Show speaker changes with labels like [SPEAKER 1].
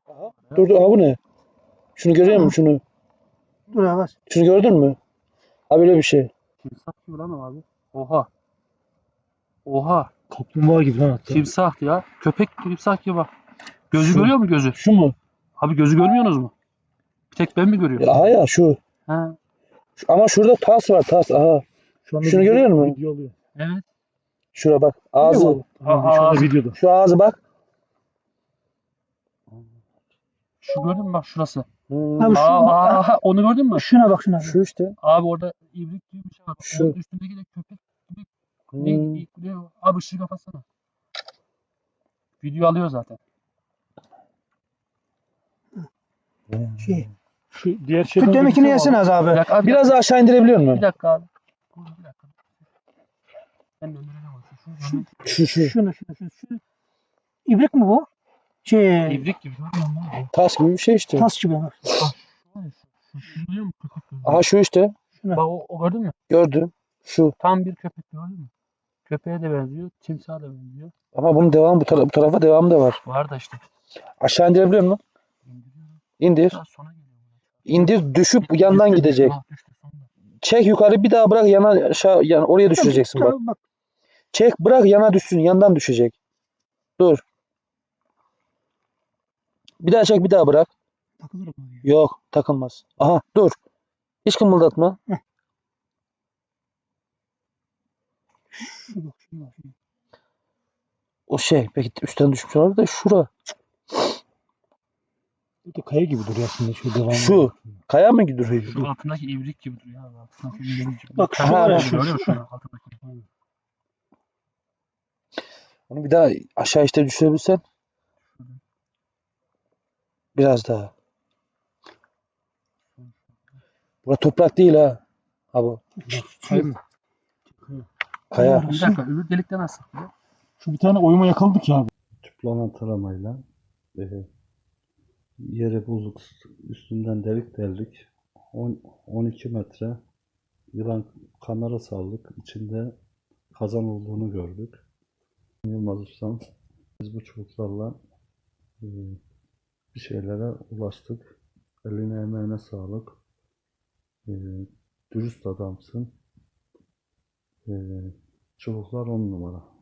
[SPEAKER 1] Aha. Dur dur. Aha bu ne? Şunu görüyor musun şunu?
[SPEAKER 2] Dur yavaş.
[SPEAKER 1] Şunu gördün mü? Ha böyle bir şey.
[SPEAKER 3] Timsah gibi lan o abi. Oha. Oha.
[SPEAKER 1] Kaplumbağa gibi lan hatta.
[SPEAKER 3] Timsah ya. Köpek timsah gibi bak. Gözü
[SPEAKER 1] Şu.
[SPEAKER 3] görüyor mu gözü?
[SPEAKER 1] Şu mu?
[SPEAKER 3] Abi gözü görmüyorsunuz mu? Bir tek ben mi görüyorum?
[SPEAKER 1] Ya, aha ya şu.
[SPEAKER 3] Ha.
[SPEAKER 1] Ama şurada tas var tas. Aha.
[SPEAKER 2] Şu anda
[SPEAKER 1] Şunu görüyor musun?
[SPEAKER 2] Video alıyor.
[SPEAKER 3] Evet.
[SPEAKER 1] Şura bak. Ağzı.
[SPEAKER 2] Tamam, şu anda videoda.
[SPEAKER 1] Şu ağzı bak.
[SPEAKER 3] Şu gördün mü bak şurası.
[SPEAKER 1] Hmm.
[SPEAKER 2] Abi
[SPEAKER 3] Onu gördün mü?
[SPEAKER 2] şuna bak şuna.
[SPEAKER 1] Şu işte.
[SPEAKER 3] Abi orada ibrik gibi bir şey var.
[SPEAKER 1] Şu.
[SPEAKER 3] Onun üstündeki de köpek gibi.
[SPEAKER 1] Hmm.
[SPEAKER 3] Ne? Abi ışığı kapatsana. Video alıyor zaten.
[SPEAKER 2] Şey.
[SPEAKER 1] Şu diğer şey.
[SPEAKER 2] Şu demekini yesene az abi.
[SPEAKER 3] Bir dakika abi.
[SPEAKER 1] Biraz daha aşağı indirebiliyor
[SPEAKER 3] Bir
[SPEAKER 1] musun?
[SPEAKER 3] dakika abi. Dur, bir dakika. Ben de ömrüne bakıyorum.
[SPEAKER 1] Şu.
[SPEAKER 2] Şunu. Şu. İbrik mi bu? Şey.
[SPEAKER 3] İbrik gibi görmüyor musun?
[SPEAKER 1] Tas gibi bir şey işte.
[SPEAKER 2] Tas gibi. Bak.
[SPEAKER 3] Şu biliyor musun? Köpek gözü.
[SPEAKER 1] Aha şu işte.
[SPEAKER 3] Bak o gördün mü?
[SPEAKER 1] Gördüm. Şu.
[SPEAKER 3] Tam bir köpek gördün mü? Köpeğe de benziyor, timsaha da benziyor.
[SPEAKER 1] Ama bunun devamı bu tarafa devamı da var.
[SPEAKER 3] Var da işte.
[SPEAKER 1] Aşağı indirebiliyor musun?
[SPEAKER 3] İndiriyorum.
[SPEAKER 1] İndir.
[SPEAKER 3] Biraz sona geliyor.
[SPEAKER 1] İndir düşüp yandan
[SPEAKER 3] Düştü,
[SPEAKER 1] gidecek.
[SPEAKER 3] düştü sonunda.
[SPEAKER 1] Çek yukarı bir daha bırak yana aşağı yani oraya düşüreceksin bak.
[SPEAKER 2] Bak.
[SPEAKER 1] Çek bırak yana düşsün yandan düşecek. Dur. Bir daha çek bir daha bırak.
[SPEAKER 2] Takılır mı?
[SPEAKER 1] Yok takılmaz. Aha dur. Hiç kımıldatma.
[SPEAKER 2] Şu bak.
[SPEAKER 1] O şey peki üstten düşmüş olabilir de şura.
[SPEAKER 2] Bu da kaya gibi duruyor aslında şu devamı.
[SPEAKER 1] Şu. Kaya mı gidiyor?
[SPEAKER 3] Şu altındaki ibrik gibi duruyor abi. Altındaki ibrik gibi.
[SPEAKER 2] Bak, şu
[SPEAKER 3] Aha,
[SPEAKER 2] var ya,
[SPEAKER 3] öyle
[SPEAKER 2] şu,
[SPEAKER 3] görüyor
[SPEAKER 2] şu.
[SPEAKER 3] musun? Altındaki.
[SPEAKER 1] Onu bir daha aşağı işte düşürebilsen. Biraz daha. Bura toprak değil ha. Ha bu.
[SPEAKER 2] Kaya mı?
[SPEAKER 1] Kaya.
[SPEAKER 3] Bir dakika öbür delikten nasıl?
[SPEAKER 2] Şu bir tane oyuma yakaladık ya abi.
[SPEAKER 4] Tüplama taramayla yere bulduk, üstünden delik deldik. 12 metre yılan kamera saldık. İçinde kazan olduğunu gördük. Yılmaz Ustam, biz bu çubuklarla bir şeylere ulaştık. Eline emeğine sağlık. Dürüst adamsın. Çubuklar 10 numara.